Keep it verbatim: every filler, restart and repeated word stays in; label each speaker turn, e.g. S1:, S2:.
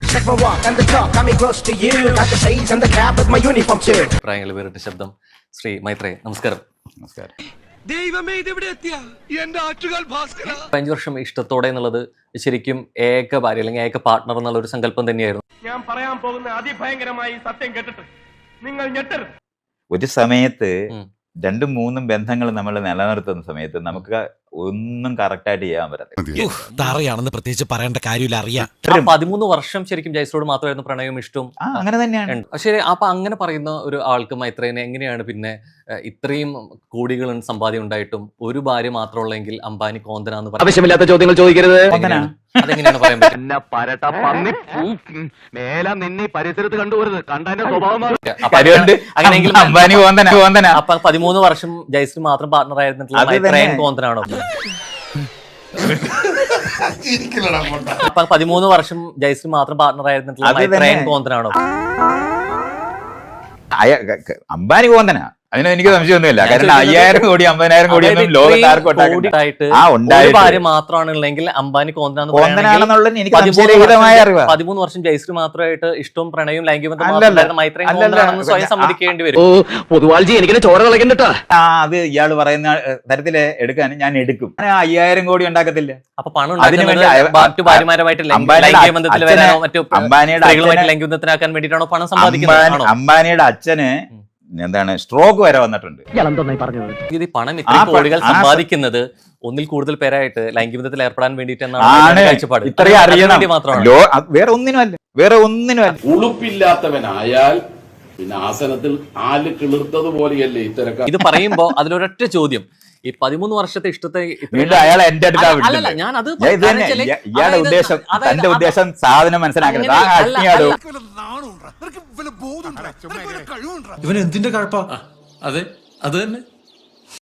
S1: Check my walk and the talk, got me close to you. Got the shades and the cap with my uniform too.
S2: പ്രായങ്ങൾ വേറിട്ട ശബ്ദം ശ്രീ മൈത്രേ, നമസ്കാരം.
S3: നമസ്കാരം.
S4: ദൈവമേ, ഇതെവിടെ എത്തിയ എന്റെ ആറ്റുകാൽ ഭാസ്കര.
S2: അഞ്ചു വർഷം ഇഷ്ടത്തോടെ എന്നുള്ളത് ശരിക്കും ഏക ഭാര്യ അല്ലെങ്കിൽ ഏക പാർട്ട്ണർ എന്നുള്ള ഒരു സങ്കല്പം തന്നെയായിരുന്നു.
S5: ഞാൻ പറയാൻ പോകുന്ന അതിഭയങ്കരമായി സത്യം കേട്ടിട്ട് നിങ്ങൾ ഞെട്ടരുത്.
S3: ഒരു സമയത്ത് രണ്ടും മൂന്നും ബന്ധങ്ങൾ നമ്മൾ നിലനിർത്തുന്ന സമയത്ത് നമുക്ക് ഒന്നും കറക്റ്റായിട്ട് ചെയ്യാൻ പറ്റത്തില്ല.
S4: തറയാണെന്ന് പ്രത്യേകിച്ച് പറയേണ്ട കാര്യമില്ല, അറിയാം.
S2: പതിമൂന്ന് വർഷം ശരിക്കും ജയസോട് മാത്രമായിരുന്നു പ്രണയവും ഇഷ്ടവും.
S3: അങ്ങനെ തന്നെയാണ്.
S2: പക്ഷേ അപ്പൊ അങ്ങനെ പറയുന്ന ഒരു ആൾക്ക് മൈത്രേനെ എങ്ങനെയാണ് പിന്നെ ഇത്രയും കോടികൾ സമ്പാദ്യം ഉണ്ടായിട്ടും ഒരു ഭാര്യ മാത്രമുള്ളെങ്കിൽ അംബാനി കോന്തനാന്ന് പറയുന്നത്?
S5: ആവശ്യമില്ലാത്ത ചോദ്യങ്ങൾ ചോദിക്കരുത്.
S2: അതെങ്ങനെയാണ് പറയാൻ പറ്റും?
S5: പരിസരത്ത് കണ്ടുപോരുത്, കണ്ടതിന്റെ സ്വഭാവം.
S2: അങ്ങനെയെങ്കിൽ
S3: അംബാനി കോന്തന കോന്തന
S2: അപ്പൊ പതിമൂന്ന് വർഷം ജയശ്രീ മാത്രം പാർട്ണർ ആയിരുന്നിട്ടുള്ള മൈത്രേൻ കോന്തനാണോ? അപ്പൊ പതിമൂന്ന് വർഷം ജയശ്രീ മാത്രം പാർട്ണർ ആയിരുന്നിട്ടുള്ള മൈത്രേൻ കോന്തനാണോ?
S3: അംബാനി കോന്തന, അതിന് എനിക്ക് സംശയമൊന്നുമില്ല. കാരണം അയ്യായിരം കോടി അമ്പതിനായിരം കോടിയൊന്നും ലോകത്താർക്ക്
S2: ഭാര്യ മാത്രമാണെങ്കിൽ അംബാനി
S3: കോന്തനാണെന്നുള്ളത് എനിക്ക് സംശയരഹിതമായ അറിവ്.
S2: പതിമൂന്ന് വർഷം ജയശ്രീ മാത്രമായിട്ട് ഇഷ്ടവും പ്രണയവും ലൈംഗിക ബന്ധം മൈത്രേൻ കോന്തനാണെന്ന് സ്വയം സമ്മതിക്കേണ്ടി വരും.
S5: പൊതുവാൾജി എനിക്ക് ചോര കളക്കണ്ടട്ടാ.
S3: ആ അത് ഇയാൾ പറയുന്ന തരത്തില് എടുക്കാൻ ഞാൻ എടുക്കും. അയ്യായിരം കോടി ഉണ്ടാക്കത്തില്ല.
S2: അപ്പൊ പണം മറ്റു ഭാര്യമാരുമായിട്ട് ലൈംഗിക ബന്ധത്തിൽ വരാനോ മറ്റു സ്ത്രീകളുമായിട്ട് ലൈംഗിക ബന്ധത്തിനാക്കാൻ വേണ്ടിയിട്ടാണോ പണം സമ്പാദിക്കുന്നത്?
S3: അംബാനിയുടെ അച്ഛന് എന്താണ് സ്ട്രോക്ക് വരെ വന്നിട്ടുണ്ട്.
S2: ഇത് പണം ഇത്രയും കോടികൾ സമ്പാദിക്കുന്നത് ഒന്നിൽ കൂടുതൽ പേരായിട്ട് ലൈംഗിക ബന്ധത്തിൽ ഏർപ്പെടാൻ വേണ്ടിയിട്ടാണ് കാഴ്ചപ്പാട്.
S3: ഇത്രയും അറിയണം മാത്രമാണ്, വേറെ ഒന്നിനും അല്ല, വേറെ ഒന്നിനും അല്ല.
S6: ഉളുപ്പില്ലാത്തവനായാൽ പിന്നെ ആസനത്തിൽ ആല് കിളിർത്തതുപോലെയല്ലേ ഇത്തരക്കാർ.
S2: ഇത് പറയുമ്പോ അതിലൊരൊറ്റ ചോദ്യം, ഈ പതിമൂന്ന് വർഷത്തെ ഇഷ്ടത്തെ
S3: അയാളെ എന്റെ അടുത്ത്
S2: ഞാൻ അത്
S3: ഇയാളുടെ ഉദ്ദേശം തന്റെ ഉദ്ദേശം സാധനം മനസ്സിലാക്കുന്നത്.
S4: ഇവൻ എന്തിന്റെ കഴപ്പാ? അതെ അത് തന്നെ.